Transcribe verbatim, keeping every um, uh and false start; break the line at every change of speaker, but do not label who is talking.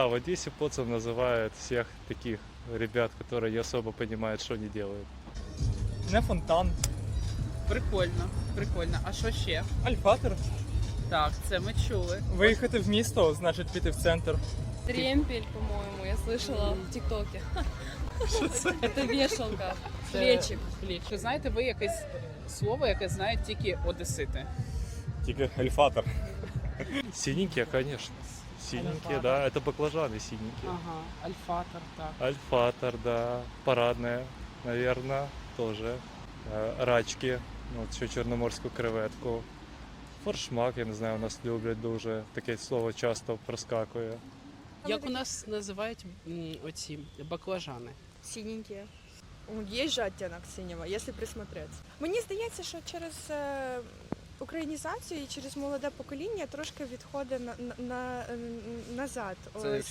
А в Одессе поцом называют всех таких ребят, которые не особо понимают, что они делают.
Не фонтан.
Прикольно, прикольно. А що ще?
Альфатор.
Так, це ми чули.
Виїхати в місто, значить піти в центр.
Тремпель, по-моему, я слышала в ТикТоке. Это вешалка, плечик.
Пліч. Чи знаєте ви якесь слово, яке знають тільки одесити?
Тільки альфатор.
Синенькие, конечно. Синенькие,
Альфатор.
да, это баклажаны синенькие.
Ага, альфатор, так.
Альфатор, да, парадная, наверное, тоже. Э, Рачки, ну, от ще чорноморську креветку. Форшмак, я не знаю, у нас люблять дуже. Таке слово часто проскакує.
Як у нас називають м, оці баклажани?
Синенькие. Есть же оттенок синего, если присмотреться. Мені здається, що через е, українізацію і через молоде покоління трошки відходить на, на, на, назад.
Це
Ось.